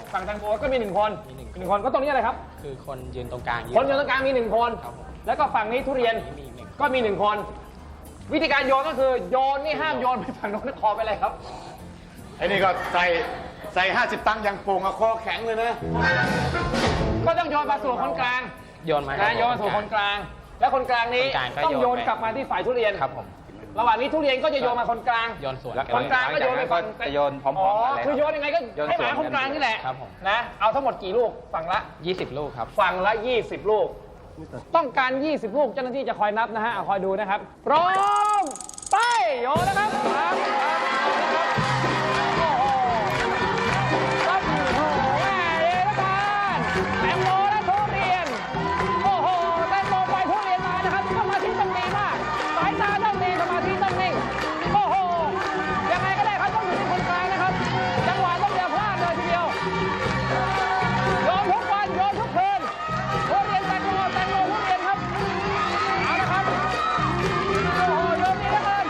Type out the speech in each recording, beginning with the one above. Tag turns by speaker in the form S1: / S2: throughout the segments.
S1: ฝั่งแตงโมก็มี1 คนหนึ่งคนก็ตรงนี้อะไรครับ
S2: คือคนยืนตรงกลาง
S1: คนยืนตรงกลางมี1 คนแล้วก็ฝั่งนี้ทุเรียนก็มี1 คน วิธีการโยนก็คือโยนนี่ห้ามโยนไปฝั่งโน้นคอไปเลยครับ
S3: ไอ้นี่ก็ใส่50 ตังค์ยังโป่งอะคอแข็งเลยนะ
S1: ก็ต้องโยนมาสู่คนกลาง
S2: โยนมา
S1: นะโยนมาสู่คนกลาง และคนกลางนี้ต้องโยนกลับมาที่ฝ่ายทุเรียน
S2: ครับผม
S1: ระหว่างนี้ทุเรียนก็จะโยนมาคนกลาง
S2: โยนสวน
S1: คนกลางก็โยนไปฝั่ง
S4: จะโยนพร้อมๆกันเลย
S1: คือโยนยังไงก็ให้หมาคนกลางนี่แหละ
S2: ครับผม
S1: นะเอาทั้งหมดกี่ลูกฝั่งละ
S2: 20 ลูกครับ
S1: ฝั่งละ20 ลูกต้องการ20 ลูกเจ้าหน้าที่จะคอยนับนะฮะคอยดูนะครับพร้อมไปโยนนะครับครับโอ้โหครับโอ้โหแม่เอ๋ละกันแตงโมและทุเรียนโอ้โหแตงโมไปทุเรียนมานะครับสมาธิต้องดีมากสายตาต้องดีสมาธิต้องนิ่งโอ้โหยังไงก็ได้ครับต้องอยู่ที่คนกลางนะครับจังหวะต้องอย่าพลาดเลยทีเดียวโยนทุกวันโยนทุกคืนทุเรียนแตงโมทุเรียนครับเอาละครับโอ้โหโยนดีเหลือเกิน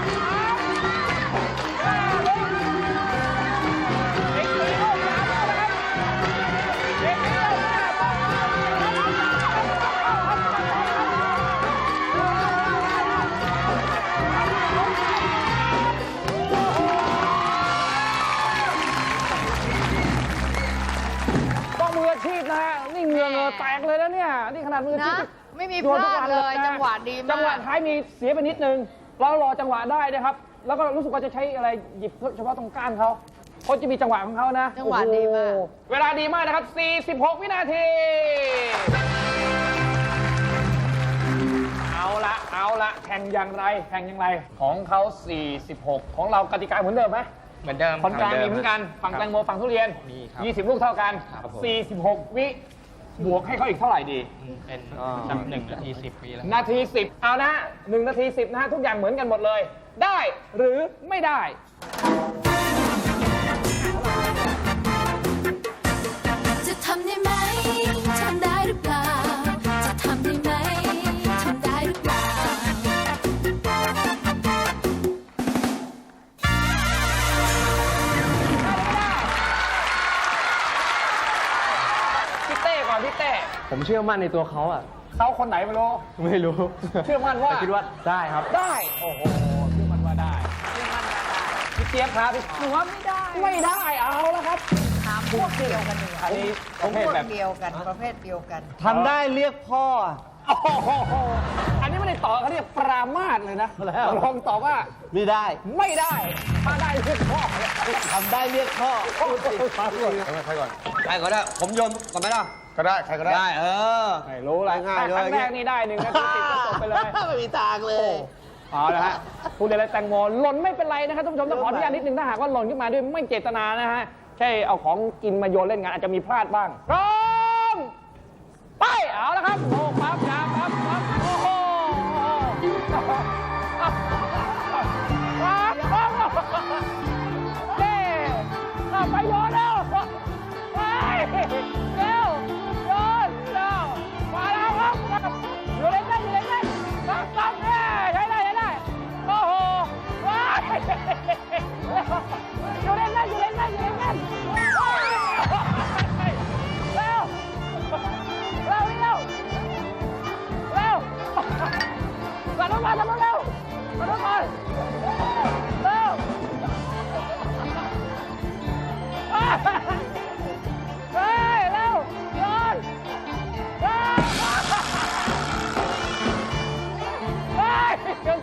S1: อีก4 ลูก 3 ลูกนะครับอีก4 ลูกต้องมืออาชีพนะฮะนี่เหงื่อแตกเลยแล้วเนี่ยนี่ขนาดมืออาชีพ
S5: นะไม่มีพลาดเลยจังหวะดีมาก
S1: จังหวะท้ายมีเสียไปนิดนึงเรารอจังหวะได้นะครับ แล้วก็รู้สึกว่าจะใช้อะไรหยิบเฉพาะตรงก้านเขาจะมีจังหวะของเขานะ
S5: จังหวะดีมาก
S1: โอ้โหเวลาดีมากนะครับ46 วินาทีเอาละแข่งอย่างไรของเขา46ของเรากติกาเหมือนเดิมไหม
S2: เหมือนเดิม
S1: คนกลางมีเหมือนกันฝั่งแตงโมฝั่งทุเรียน
S2: มีครับ
S1: 20 ลูกเท่ากัน
S2: ครับผม
S1: 46 วิบวกให้เขาอีกเท่าไหร่ดี
S2: เป็นสัก1 นาที 10 วิแล้ว
S1: นาที 10 เอานะฮะ1 นาที 10 นะฮะทุกอย่างเหมือนกันหมดเลย ได้หรือไม่ได้
S6: จะทำได้ไหม ทำได้หรือเปล่า จะทำได้ไหม ทำได้หรือเปล่า
S1: พี่เต้ก่อนพี่เต้
S4: ผมเชื่อมั่นในตัวเขาอ่ะ
S1: เขาคนไหนไม่รู้
S4: ไม่รู้
S1: เชื่อมั่นว่า
S4: แต่คิดว่าได้ครับ
S1: ได้ โอ้โหเชื่อมั่นว่าได้พี่เจี๊ยบครับหนูว่าไม่ได้เอาแล้วครับ
S5: ถามพวกเดียวกันเลย
S1: อันนี้ป
S5: พ
S1: ระเภท
S5: วก
S1: แบบ
S5: เดียวกันประเภทเดียวกัน
S4: ทำได้เรียกพ่อ
S1: โอ้โหอันนี้ไม่ได้ตอบเขาเรียกปรามาสเลยนะลองตอบว่า
S4: ไม่ได้
S1: ไม่ได้ถ้าได้เรียกพ่อ
S4: ทำได้เรียกพ่อ
S3: ใครก่อน
S4: ได้ก็ได้ ผมโยนก่อนไหมล่ะ
S3: ก็ได้ใครก็ได้
S4: ได้อ
S1: ไม่รู้ละ
S4: ง่ายๆเลย
S1: ครั้งแรกนี่ได้1 นาที 10ก็จบไปเลย
S4: ไม่มีทางเลย
S1: เอาละฮะทุเรียนและแตงโมหล่นไม่เป็นไรนะครับท่านผู้ชมต้องขออนุญาตนิดนึงถ้าหากว่าหล่นขึ้นมาด้วยไม่เจตนานะฮะแค่เอาของกินมาโยนเล่นกันอาจจะมีพลาดบ้างพร้อมไปเอาละครับโอ้ปั๊บยาปั๊บโอ้โหเด้เอาไปโยนแล้วไปเร็วโยนแล้วมาแล้วครับอยู่เล่นปั๊บใช้ได้โอ้โหว้ายอยู่เล่นเร็วเร็วกระโดดมาเร็วเร็วเฮ้ยเร็วโยนเฮ้ยเก่ง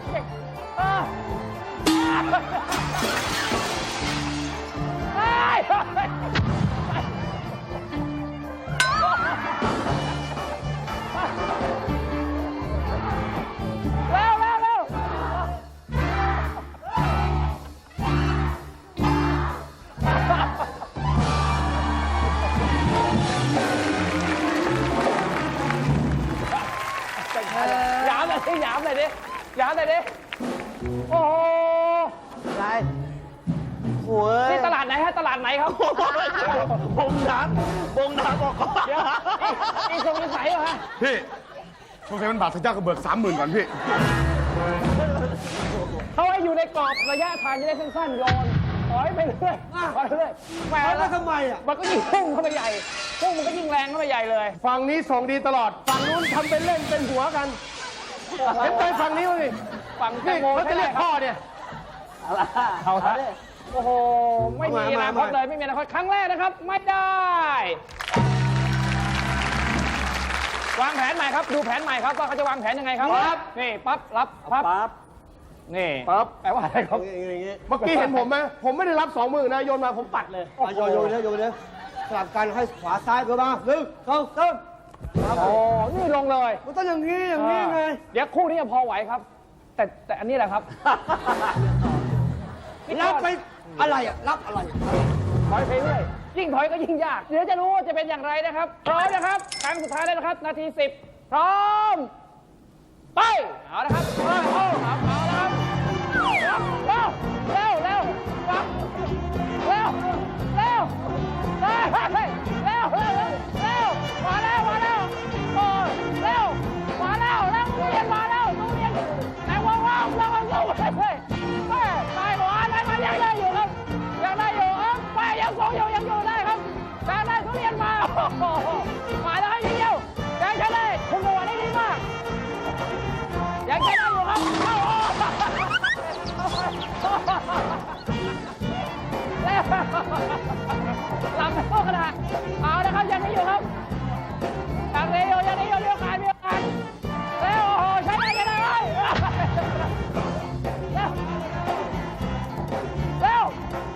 S1: หยามหน่อยดิโอ้โห
S4: อะไรโอ้ย
S1: นี่ตลาดไหนฮะตลาดไหนครับ
S4: บงน้ำบอกก่อน
S1: เดี๋ยวอีทรงนิสัยเหรอฮะ
S3: พี่สงสัยมันบาดทะยากกระเบิก30,000ก่อนพี่
S1: เขาให้อยู่ในกรอบระยะทางจะได้สั้นๆโยนถอยไปเรื่อยถอยไปเรื่อยแหม
S4: แล้วทำไมอ่ะ
S1: มันก็ยิ่งพุ่งเข้าไปใหญ่พุ่งมันก็ยิ่งแรงเข้าไปใหญ่เลย
S7: ฝั่งนี้ส่งดีตลอด ฝั่งนู้นทำเป็นเล่นเป็นหัวกันเห็นไปฝั่งนี้มั้ย
S1: ฝั่งแต
S7: นี่
S1: งโม
S7: เขาจะเรียกพ่อเนี่ย
S1: เอาละโอ้โห ไม่มีอนาคตเลย ไม่มีอนาคตครั้งแรกนะครับ ไม่ได้ วางแผนใหม่ครับ ดูแผนใหม่ครับว่าเขาจะวางแผนยังไงครับ นี่ปั๊บ รับ ปั๊บ นี่
S7: ปั๊บ
S1: แปลว่าอะไรครับ
S4: อย่างงี้
S7: เมื่อกี้เห็นผมไหมผมไม่ได้รับ20,000นะโยนมาผมปัดเลย
S4: โยนเลยสลับกันให้ขวาซ้ายเพื่อมา1 2 3
S1: โอ้ นี่ลงเลย
S4: มันต้องอย่างนี้ไง
S1: เดี๋ยวคู่นี้จะพอไหวครับ แต่อันนี้แหละครับ
S4: รับไปอะไรอ่ะ รับอะไร
S1: ถอยไปเรื่อยยิ่งถอยก็ยิ่งยาก เดี๋ยวจะรู้ว่าจะเป็นอย่างไรนะครับ พร้อมนะครับครั้งสุดท้ายแล้วนะครับ นาที 10 พร้อม ไป เอาละครับเอาแล้วครับเร็วปั๊บเร็วมาแล้วโอ้เร็วมาแล้วตู้เย็นมาแล้วตู้เย็นแต่ว้าวแล้วมันสู้เลยแม่ตายหัวอะไรมายังได้อยู่ครับยังได้อยู่ไปยังทรงยังอยู่ได้ครับยังได้ทุเรียนมามาแล้วให้เดียวยังใช้ได้คุณจังหวะนี้ดีมากยังใช้ได้อยู่ครับแล้วลำโตขนาดเอาละครับยังไม่อยู่ครับยังนี้อยู่เรียกการแล้วโอ้โหใช้ได้เลยเร็ว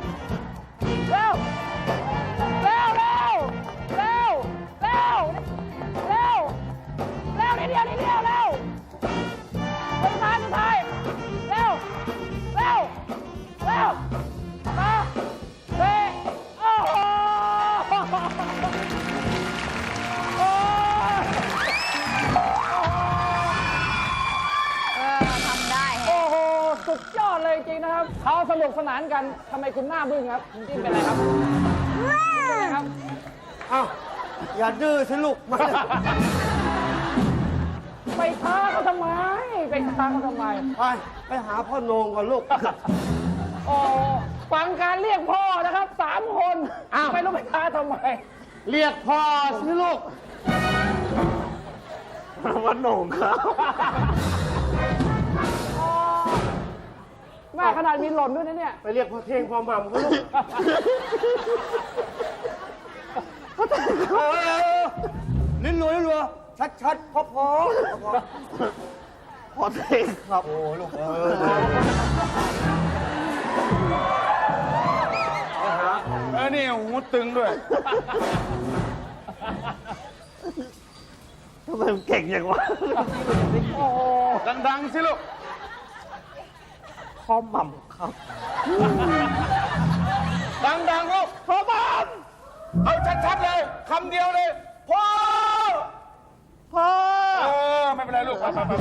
S1: นิดเดียวเร็วสุดท้ายเร็วมาเฮ้โอ้โห
S5: ทำได้
S1: โอ้โห สุดยอดเลยจริงนะครับ เขาสนุกสนานกัน ทำไมคุณหน้าบึ้งครับคุณจิ้มเป็นไรครับเป็นไรครับ
S4: อ้าวอย่าดื้อสิลูกมา
S1: ไปท้าเขาทำไม
S4: ไปหาพ่อโหนงก่อนลูก
S1: โอ้ฟังการเรียกพ่อนะครับ3 คน
S7: อ้าว
S1: ไม่รู้ไปท้าทำไม
S7: เรียกพ่อสิลูกวันโหน่งครับ
S1: แม่ขนาดมีหล่นด้วยนะเนี่ย
S7: ไปเรียกพ่อเท่งพ่อหม่ำเขาลูก
S4: ลิ้นรัวชัดพอพอเท่งครับโอ้ลูก
S3: นี่หูตึงด้วย
S4: ทำไมมันเก่งอย่างวะ
S1: โอ้โห
S3: ดังๆสิลูก
S4: พ่อหม่ำครับ
S3: ดังๆลูกพ่อบ้านเอาชัดๆเลยคำเดียวเลยพ่อไม่เป็นไรลูกไป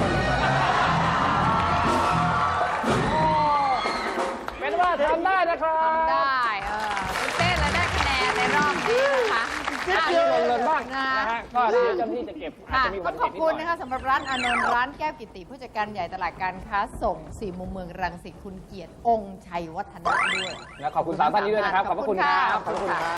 S1: เป็นว่าทำได้นะครับ
S5: ได้คุณเต้เลยได้คะแนนในรอบนี้นะคะ
S1: เดียวลงบ้างนะฮะก็เดี๋ยวเจ้าหน้าที่จะเก็บอาจ
S5: ค่ะ
S1: จะมี
S5: ต้
S1: วั
S5: อน งข
S1: เก็
S5: อ
S1: บบ นิด
S5: คุณ
S1: หน่อย
S5: นะคะสำหรับร้านอานนท์ร้านแก้วกิติผู้จัดการใหญ่ตลาดการค้าส่ง4 มุมเมืองรังสิตคุณเกียรติองค์ชัยวัฒนะด้วย
S1: และขอบคุณ3 ท่านนี้ด้วยนะครับ ขอบพระคุณครับ
S5: ขอบคุณค่ะ